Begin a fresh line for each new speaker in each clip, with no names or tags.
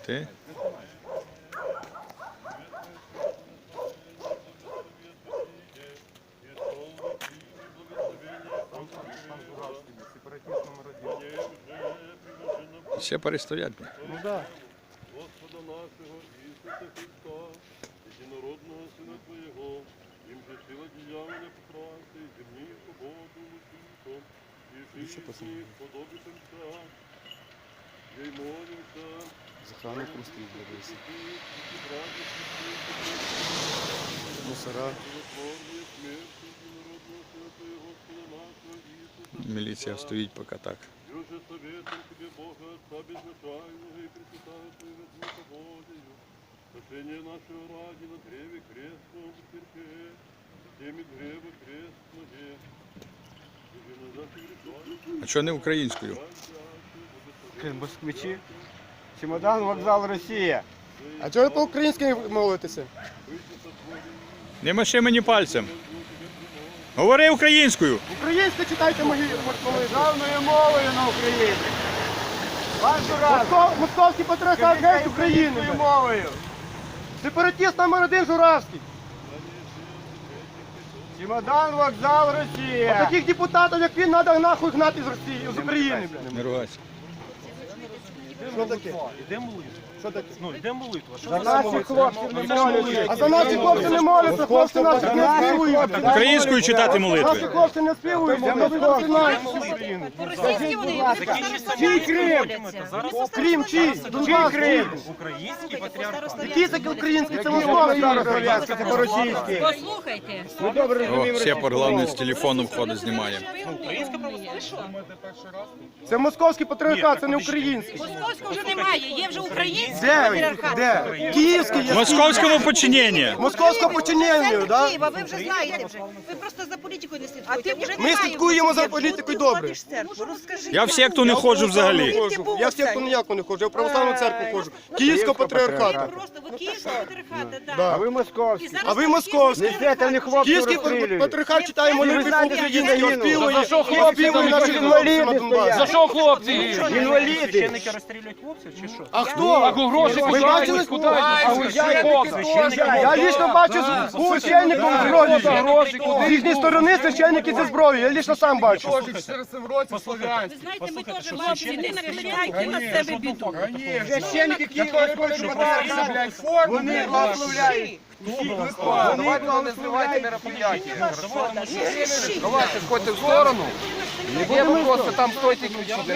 Ти? Ще перестоять.
Ну да.
Господа нашого Ісуса Христа, єдинородного Сина Твоєго, їм же сила діяння поправити, земні свободу усім, і всі сподобитимся, я й молимся,
Захрану просто відбудеться. Мусора.
Міліція стоїть поки так.
Друже, советом тебе Бога, Отца безначального и Пресвятая Твоего Духа Божию, спасение нашего ради на древе крестном потерпе, теми древо крестное, и на наших грехах,
А чого не українською?
Москвичі. Чемодан, вокзал, Росія.
А чого ви по-українськи молитеся?
Не маши мені пальцем. Говори українською.
Українською читайте мої молитви.
Державною мовою на Україні. Вашу раз.
Московський патріархат геть України.
Мовою.
Сепаратист номер 1 Журавський.
Чемодан, вокзал, Росія.
А таких депутатів, як він, треба нахуй гнати з Росії, з України. блін.
Не ругайся.
Що таке?
Іде молитва.
Що таке?
Ну, іде молитва. Що
За
за
наших хлопців не моляться.
А за наші хлопці не моляться, хлопці наші не співують.
Українською читати
Наші
молитви.
хлопці не співують, бо ми не знаємо.
По-російськи вони
Закінчиться
Чий
молитва,
Крим?
зараз
Крим чий?
Чий
Донбас
Крим?
український патріархат.
Який це український? Це московський.
Це по-російськи.
Послухайте.
Ми добре розуміємо.
О, ще головне з телефону входить, знімає.
Українська православна.
Це московський патріархат, це не український.
Московського вже немає, є вже український
Де?
патріархат.
Де? Київський
В
є.
московському подчиненні.
Московського починення,
Центр
так?
Києва, ви вже знаєте вже. Ви просто за політикою не слідкуєте. Вже
Ми
немає
слідкуємо за
московського.
політикою добре.
Я в секту не ходжу взагалі.
Я в секту ніяку не ходжу, я в православну церкву ходжу. Київського
Ви
патріархату.
просто, ви київського патріархата,
Да.
так.
А ви московські.
А ви московські.
Несете, не хлопців
Київський
розстрілюють.
патріархат читає молитви по-українськи, оспівує
Інваліди
наші хлопці на Донбасі.
За що хлопці?
Інваліди.
Священники розстрілюють хлопців чи що?
А хто?
Гроші
Ви бачили?
куди?
Я лично бачу з священником зброю.
Гроші
З їхньої сторони священники зі зброєю, я лично сам бачу.
Ви знаєте, ми теж хлопці, не накликайте на себе біду.
Священники, які хочуть патріархат, вони благословляють.
Давайте не зливайте мероприятия. Давайте сходьте в сторону. Не будемо просто там стойте кричати.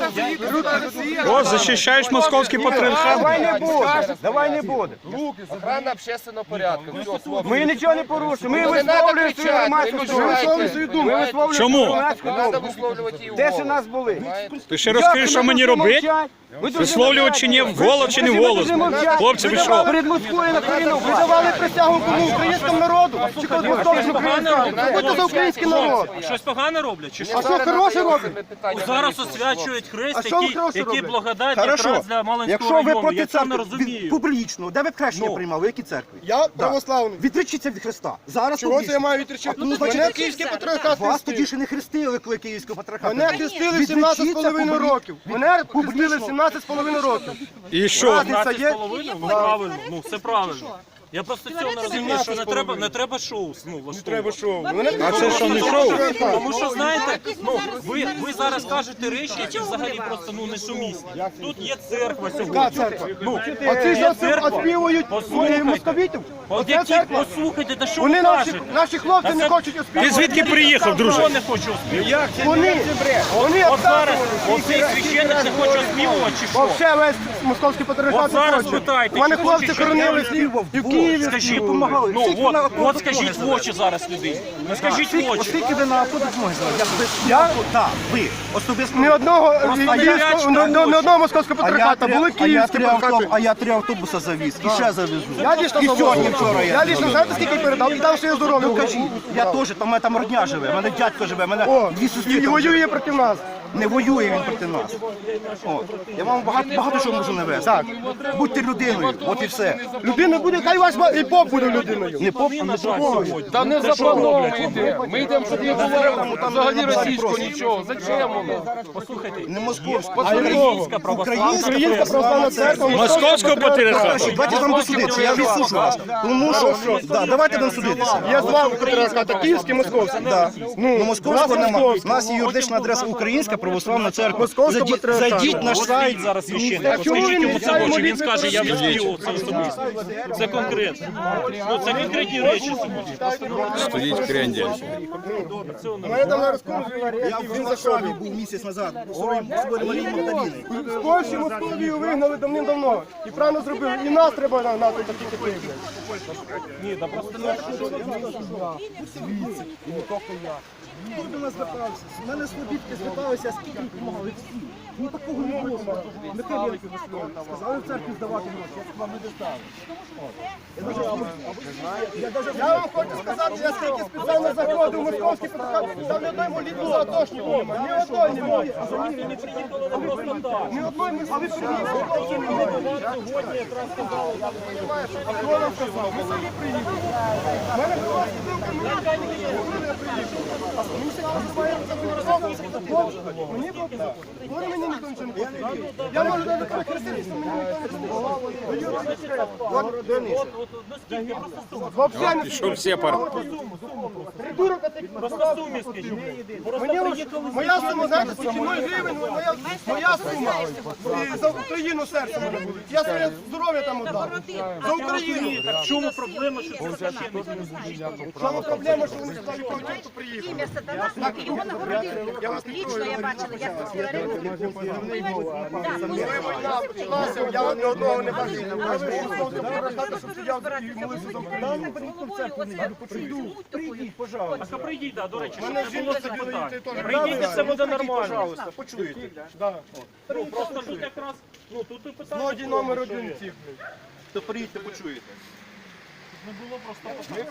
О, захищаєш московський патріархат.
Давай не буде. Давай не буде.
Охрана общественного порядку. Все, хлопці.
Ми нічого не порушуємо. Ми
Ну, не надо
висловлюємо свою
кричати,
громадську
ви
думку.
мішаєте.
Ми висловлюємо
Чому?
свою громадську
Не треба
думку.
висловлювати її
Де ж
вголос.
нас були?
Ти ще розкажи, що мені робити? Висловлювати чи ні, вголос чи не вголос? Хлопці, ви що?
Перед Москвою на коліно ви давали присягу кому? Українському народу? Чи коли московському патріархату? Будьте за український народ.
Щось погане роблять чи що?
А що хороше робить?
Зараз освячують хрест,
А що ви хороше
який
роблять?
благодать
Хорошо.
якраз для Малинського
Якщо ви
району.
проти
Я цього не
церкви,
розумію.
публічно, де ви хрещення приймали, в якій церкві?
Я православний.
Відречіться від Христа. Зараз
Чого це я
публічно.
маю відречати?
Ну, то
Мене
чого
київський
це?
патріархат
Вас тоді
хрестив.
ще не хрестили, коли Київського патріархату.
Мене хрестили в 17,5 років. Мене хрестили в
Публічно.
17,5 років.
І що?
Разниця є?
15,5? Ну правильно, ну все правильно. Я просто цього не розумію, що не треба шоу. Ну,
Треба шоу.
А це що, не шоу?
Тому що, знаєте, ну, ви зараз кажете речі, які взагалі просто ну, несумісні. Тут є церква
Яка
сьогодні.
церква?
Ну,
Оці ж
церква.
оспівують
Послухайте.
московітів.
От
Оце
які,
церква.
послухайте, та що
Вони
ви
наші,
кажете?
наші хлопці не хочуть
Ти
оспівувати.
звідки приїхав,
Хто
друже?
не хоче оспівувати?
Вони
От зараз
обставили.
оцей священник не хоче оспівувати чи що?
Вообще весь московський патріархат
От зараз
не хоче.
питайте,
У мене
чи
хлопці
хочуть,
хоронились і в Києві.
Скажіть,
Помагали.
ну от скажіть в очі зараз людей. Ну скажіть в очі.
Оскільки ви на автобус можете зараз?
Я?
Так, ви. Особисто.
Ні одного
я
не одного московського патріархата, були київські патріархати.
А я 3 автобуса завіз. І ще завезу.
Я лично
І сьогодні, вчора
я лично, знаєте, скільки передав? І там ще є здоров'я.
Я теж, там у мене там родня живе, у мене дядько живе, у мене
О,
дві сестри
і
там
воює проти нас.
Не воює він проти нас. О, я вам багато що можу навести. Так. Будьте людиною, от і все.
Людина буде, хай ваш і поп буде людиною.
Не поп, не такого.
Та не заплановано йде. Ми йдемо, щоб не говорили взагалі російського нічого. Зачем воно?
Послухайте,
Не московську,
а українська православна
Українська православна церква.
Московського патріархату.
Давайте там досудитися, я відсушу вас. Тому що, да, давайте там судитися.
Я з вами патріархат, а київський, московський.
Да. Ну, московського
нас
нема. У
московський.
нас є юридична адреса Українська православна церква.
Московського патріархату.
Зайдіть на сайт.
зараз священник.
Так чому
Скажіть
він
йому
не
це
знає
в очі, він
молитви
скаже, я
про
відспівав це особисто. Це конкретно. Ну, це конкретні речі сьогодні.
Стоїть крендель.
Мене там зараз курс,
Я в Варшаві був місяць назад. Собою Марії Магдаліни.
з Польщі Московію вигнали давним-давно. І правильно зробили. І нас треба нагнати такі типи.
Ні, да просто
Хто до нас звертався? З мене слобідки зверталися, скільки їм допомагали всі. Ну такого не було. Не Хабєнки висловили. Сказали в церкві здавати гроші, я вам не достав.
Я вам хочу сказати, я скільки спеціально заходив у московський патріархат, там ні одної молитви за атошників немає. Ні одної немає. Ні одної ми собі приїхали. А хто нам сказав? Ми самі приїхали. У мене була спілка, мені приїхали. Мені ще називається мені було говори, мені ніхто нічого не потрібно. Я можу навіть хреститися, мені ніхто не потрібно. Вообще не
Пішов сепар.
придурок, а ти
просто сумі скажіть.
моя сума, знаєте, скільки 0 гривень, моя сума. І за Україну серце мене буде. Я своє здоров'я там віддав. За Україну.
Так в чому проблема, що це священник не звучить?
В чому проблема, що вони сюди проти приїхали?
Ім'я Сатана, його нагородили. Лічно я бачила, як це
Я ні одного не бачив. Я вийшов з патріархату, щоб стояв і молився за Україну.
Прийдіть, пожалуйста.
Так прийдіть, да, до речі,
Мене
щоб не було
жінка
цих
сиділа, і ти
питань.
теж.
Прийдіть, і все буде нормально.
Пожалуйста, почуєте.
Ну, просто тут якраз, ну, тут і питання.
Злодій номер один цих.
То приїдьте, почуєте.
Не було просто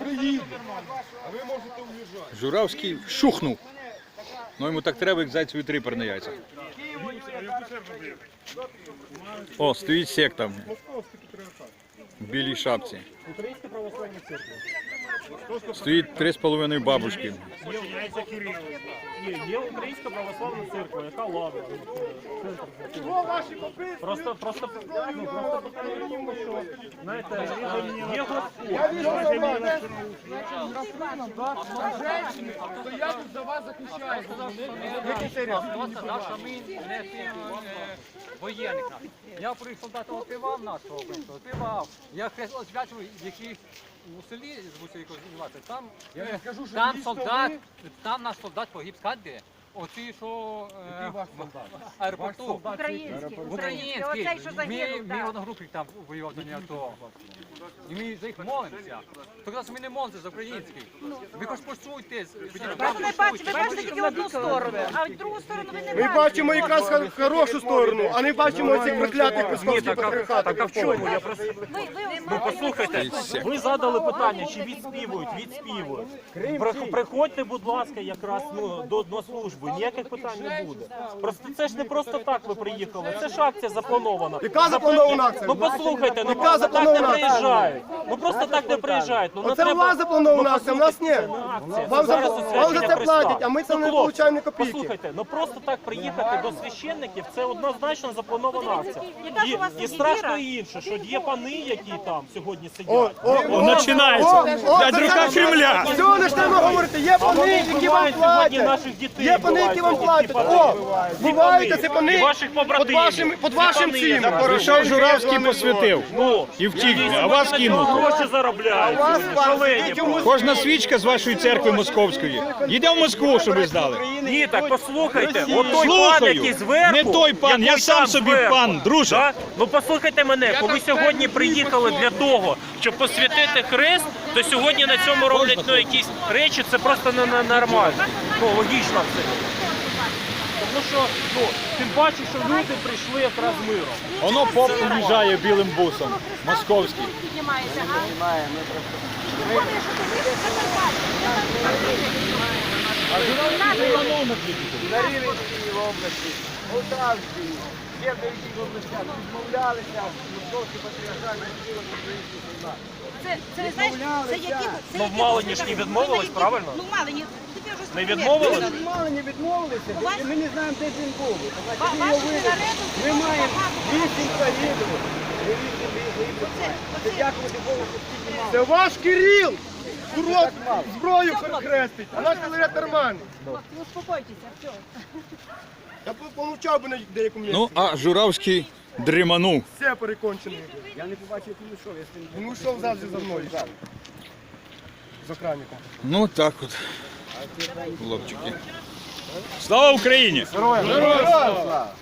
Журавський шухнув. Ну йому так треба, як зайцеві трипер на яйцях. О, стоїть секта в білій шапці.
Українська православна церква.
Стоїть 3,5 бабушки.
Є українська православна церква, яка лава. Просто питання в тому, що, знаєте, є Господь.
Я тут за вас захищаю. Наша ми не воєнних. Я при солдата опівав нашого, опівав. Я освячував, які у селі звуться якось називати. Там солдат, там наш солдат погиб, скажете? Оці, що в аеропорту.
Український. Оцей, що загинув,
Ми одногрупник там воював до нього. І ми за їх молимося. Тоді ми не молимося за український. Ви хоч почуйте.
Ви бачите тільки одну сторону, а в другу сторону ви не
Ми
бачите.
бачимо якраз хорошу сторону, а не бачимо цих проклятих московських патріархатів.
Так а в чому? Я просто... Ну послухайте, ви задали питання, чи відспівують? Відспівують. Приходьте, будь ласка, якраз до служби, ніяких питань не буде. Просто це ж не просто так ви приїхали, це ж акція запланована.
Яка запланована акція?
Ну послухайте, ну
Яка
просто так не
запланована акція?
приїжджають. Ну просто так не приїжджають. Ну,
Оце у вас запланована акція, у нас ні. Вам за це платять, а ми це не отримуємо ні копійки.
Послухайте, ну просто так приїхати до священників, це однозначно запланована акція.
Яка ж у вас
І
є
страшно
віра?
інше, що є пани, які там сьогодні сидять.
Починається. Дядь Кремля.
Все, не ж треба говорити, є пани, які вам
Вбивають сьогодні
платять.
наших дітей.
Є пани, які вам платять. О, бувають це пани
І ваших побратимів.
під вашим цим.
Прийшов Журавський, посвятив.
Ну,
І втік, а вас кинув.
гроші заробляють. Шалені.
Кожна свічка з вашої церкви московської. Їде в Москву, щоб ви здали.
Ні, так послухайте, от той пан,
Слухаю.
який зверху,
Не той пан, я
який
сам
там
собі
зверху,
пан, друже.
да? Ну послухайте мене, коли сьогодні приїхали для того, щоб посвятити хрест, то сьогодні на цьому роблять якісь речі, це просто нормально. Ну, логічно все. Тому що, тим паче, що люди прийшли якраз з миром.
Воно поп уїжджає білим бусом. Московський.
Піднімається, а? Виходить, що ти їдеш в Закарпаття.
На Рівненській області, Полтавській, ще в деяких областях відмовлялися московські патріархальні сили українських солдат.
Це знаєш, це які...
Ну, в Малині ж не відмовились, правильно?
Ну, в Малині. Тобі вже
Не
сказали.
відмовились?
Мало не відмовилися, і ми не знаємо, де він був.
Ваші мінарети
Ми
дуже
маємо
багато.
8 загиблих. Це дякувати Богу, що стільки мало.
Це ваш Кирил! Урод зброю перехрестить, а наш Філарет нормальний.
Ну, успокойтеся, все.
Я б помовчав би на деякому місці.
Ну, а Журавський дріманув.
Все перекончений.
Я не побачив, як він йшов, я з тим
Він йшов завжди за мною. З охранником.
Ну, так от. Хлопчики. Слава Україні!
Героям слава!